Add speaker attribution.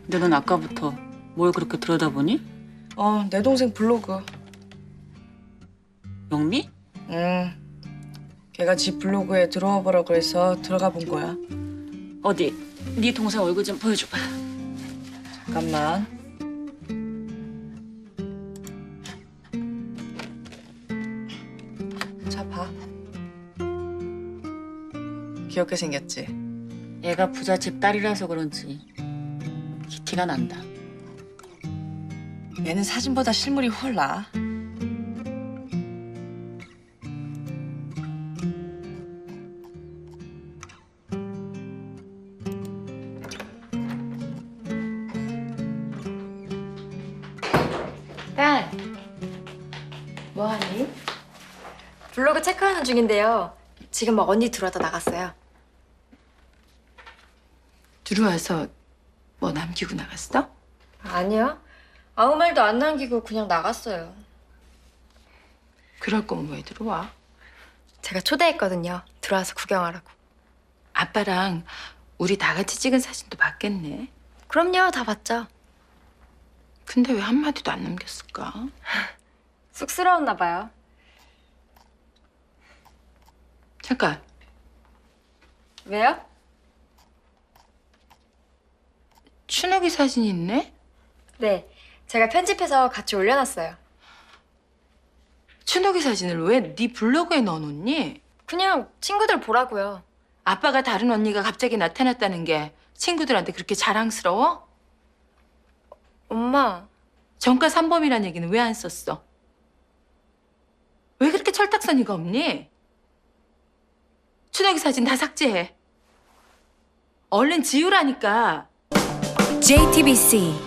Speaker 1: 근데 넌 아까부터 뭘 그렇게 들여다보니?
Speaker 2: 내 동생 블로그.
Speaker 1: 영미?
Speaker 2: 걔가 지 블로그에 들어와 보라 그래서 들어가 본 거야.
Speaker 1: 어디 네 동생 얼굴 좀 보여줘봐.
Speaker 2: 잠깐만. 자, 봐. 귀엽게 생겼지?
Speaker 1: 얘가 부잣집 딸이라서 그런지 기티가 난다.
Speaker 2: 얘는 사진보다 실물이 훨 나아.
Speaker 3: 딸, 뭐하니? 블로그 체크하는 중인데요. 지금 막 언니 들어왔다 나갔어요.
Speaker 4: 들어와서 뭐 남기고 나갔어?
Speaker 3: 아니요. 아무 말도 안 남기고 그냥 나갔어요.
Speaker 4: 그럴 거면 왜 들어와?
Speaker 3: 제가 초대했거든요. 들어와서 구경하라고.
Speaker 4: 아빠랑 우리 다 같이 찍은 사진도 봤겠네.
Speaker 3: 그럼요, 다 봤죠.
Speaker 4: 근데 왜 한마디도 안 남겼을까?
Speaker 3: 쑥스러웠나 봐요.
Speaker 4: 잠깐,
Speaker 3: 왜요?
Speaker 4: 춘옥이 사진이 있네?
Speaker 3: 네, 제가 편집해서 같이 올려놨어요.
Speaker 4: 춘옥이 사진을 왜 네 블로그에 넣어놓니?
Speaker 3: 그냥 친구들 보라고요.
Speaker 4: 아빠가 다른 언니가 갑자기 나타났다는 게 친구들한테 그렇게 자랑스러워?
Speaker 3: 엄마,
Speaker 4: 전과 3범이란 얘기는 왜 안 썼어? 왜 그렇게 철딱서니가 없니? 춘옥이 사진 다 삭제해. 얼른 지우라니까.
Speaker 5: JTBC